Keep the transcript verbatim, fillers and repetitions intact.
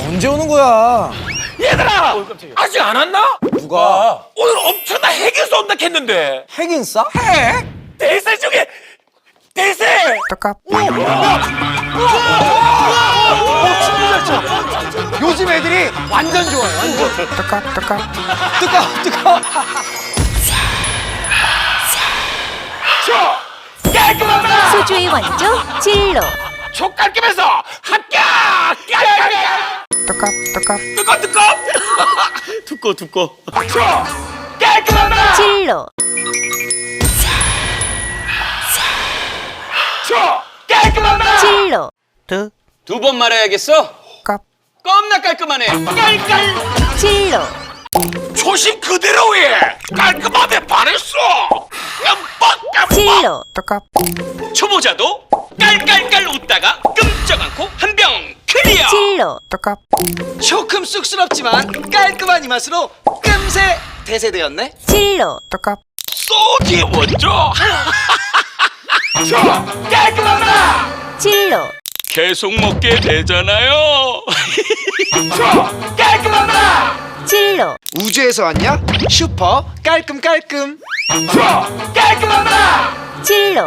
언제 오는 거야? 얘들아! 아직 안 왔나? 누가? 오늘 엄청난 핵이 쏜다 했는데. 핵인 싸? 핵! 대세 중에 대세! 요즘 애들이 완전 좋아요. 완전. 뜨까 뜨까 뜨까 뜨까. 저 깔끔하다! 소주의 원조 진로. 초 깔끔해서 합격! 깔깔깔! 뜨까 뜨까. 뜨거 뜨거! 두꺼 두꺼. 저 깔끔하다! 진로. 저 깔끔하다! 진로. 뜨. 두 번 말해야겠어? 깝. 겁나 깔끔하네. 깔깔! 진로. 초심 그대로에 깔끔함에 반했어. 깜빡 깜빡. 진로. 뜨까. 초보자도 깔깔깔 웃다가 끔쩍 않고 한 병 클리어. 진로. 뜨까. 조금 쑥스럽지만 깔끔한 이 맛으로 끔새 대세되었네. 진로. 뜨까. 소지 원조. 저 깔끔하다. 진로. 계속 먹게 되잖아요. 저 깔끔하다. 진로. 우주에서 왔냐? 슈퍼 깔끔 깔끔. 저 깔끔하다. 진로.